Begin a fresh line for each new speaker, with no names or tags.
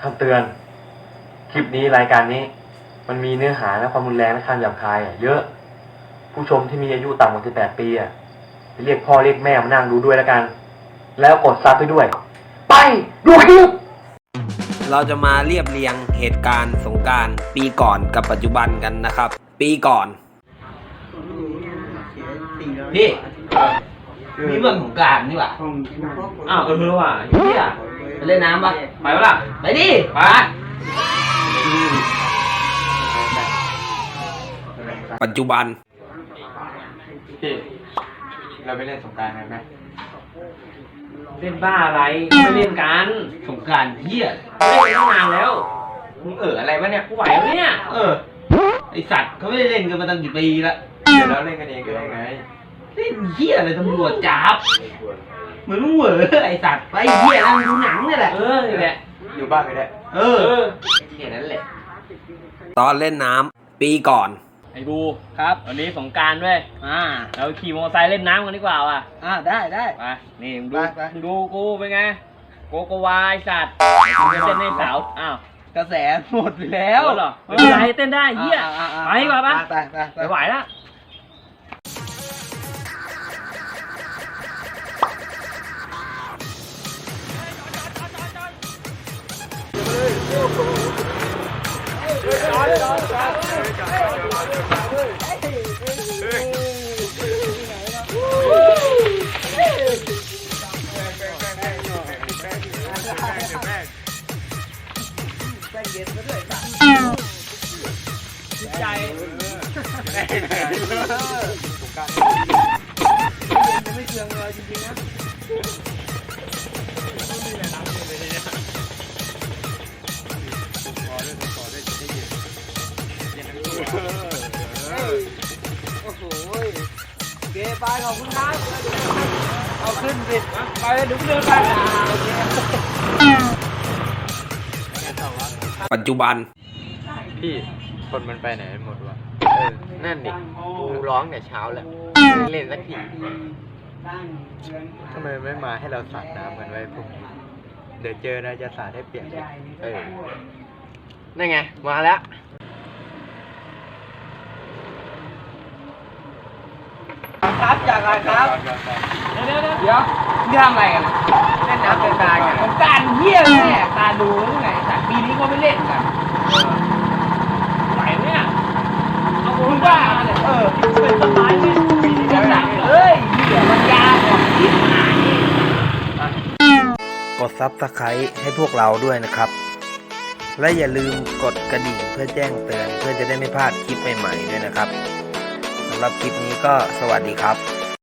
คำเตือนคลิปนี้รายการนี้มันมีเนื้อหาและความรุนแรงและคำหยาบคายเยอะผู้ชมที่มีอายุต่ำกว่า18 ปีเรียกพ่อเรียกแม่มานั่งดูด้วยแล้วกันแล้วกดซับไปด้วยไปดูคลิป
เราจะมาเรียบเรียงเหตุการณ์สงกรานต์ปีก่อนกับปัจจุบันกันนะครับปีก่อน
พี่นี่เรื่องของกรานต์นี่หว่า
อ้าวว่ะเฮีย
ไปเล่นน้ำปะ
ไปวะล่ะ
ไปดิไป
ปัจจุบัน
พี่เราไปเล่นสงกรานต์กันไหม
เล่นบ้าอะไรไม่เล่นกัน
สงกรานต์เฮีย
เล่นตั้งนานแล้ว
มึงอะไรวะเนี่ย
กูไหวแล้วเนี่ย
ไอสัตว์เขาไม่ได้เล่นกันมาตั้งกี่ปีแล้ว
เดี๋ยวเราเล่นกันเองก็ได้ไง
เล่นเฮียอะไรตำรวจจับเหมือนมึงเหวอไอสัตว์ไปเฮียนั่งดูหนังนี่แหละ
นี่แหละ
อยู่บ้านก็ได้
แค่นั้นแหละ
ตอนเล่นน้ำปีก่อน
ไอ้บูครับวันนี้สงกรานต์ด้วยเราขี่มอเตอร์ไซค์เล่นน้ำกันดีกว่าว่ะ
ได้
ไปนี่ดูกูเป็นไงโกโกวาไอสัตว์จะเต้นให้สาว
กระแสหมดไปแล้ว
เหรอไม่เป็นไรเต้นได้เฮียไปดีกว่าปะไปไหวละใจไม่เชื่องเลยจริงๆนะ
โอ้โหเกไปขอบคุณครับเอาขึ้นสิ
ไปดูเดินไป
ปัจจุบัน
พี่คนมันไปไหนหมดวะ
นั่นดิกูร้องแต่เช้าแล้วไม่เล่นสักที
ทำไมไม่มาให้เราสาดน้ำกันไว้พรุ่งนี้เดี๋ยวเจอนะจะสาดให้เปียก
นั่นไงมาแล้วครับอยากอะไรครับ
เดี๋ยว
นี่ทำอะไรกันเล่นน้ำเป็นตากันผมการเหี้ยแม่ตาดูนี่ไงแต่ปีนี้ก็ไม่เล่นกัน
ไหวเนี่ยเอา
มึงบ้าเนี่ย
เป็นต้นไม้เนี่ย
ปีนี้ก็หนักเลยเดี๋ยวมันยาวกว่าที่หาย
กดซับสไครต์ให้พวกเราด้วยนะครับและอย่าลืมกดกระดิ่งเพื่อแจ้งเตือนเพื่อจะได้ไม่พลาดคลิปใหม่ๆด้วยนะครับสำหรับคลิปนี้ก็สวัสดีครับ